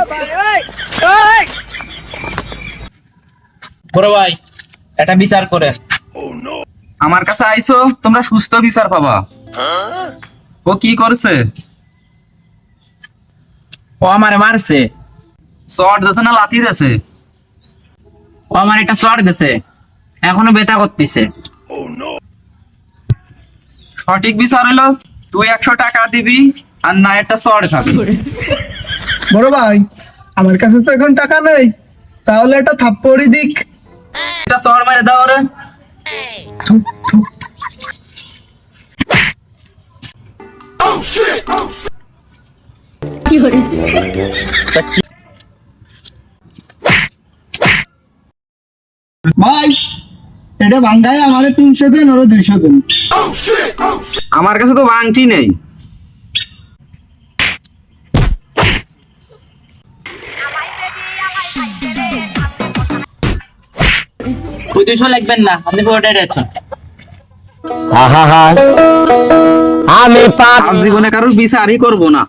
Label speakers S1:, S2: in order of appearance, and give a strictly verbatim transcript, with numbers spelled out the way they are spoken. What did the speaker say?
S1: বড় ভাই এটা বিচার করে।
S2: আমার কাছে আইছো তোমরা সুস্থ বিচার পাবা। ও কি করছে?
S1: ও আমারে মারছে।
S2: শর্ট দিছে না লাথি দিছে?
S1: ও আমার একটা চড় দিছে, এখনো ব্যথা করতেছে।
S2: সঠিক বিচার হলো তুই একশো টাকা দিবি আর না একটা শর্ট খাবি।
S3: বড় ভাই আমার কাছে তো এখন টাকা নেই, তাহলে একটা থাপ্পড়ি দিক।
S2: একটা শর্ট মেরে দাও রে।
S3: ভাই এটা ভাঙ্গায় আমার তিনশো দিন ওরা দুইশো দিন।
S2: আমার কাছে তো বাংটি নেই।
S1: ওই দুইশো লাগবেন না, আপনি পুরোটাই রেখেছেন।
S4: আমি পাপ
S2: আজ জীবনে কারোর বিচারই করবো না।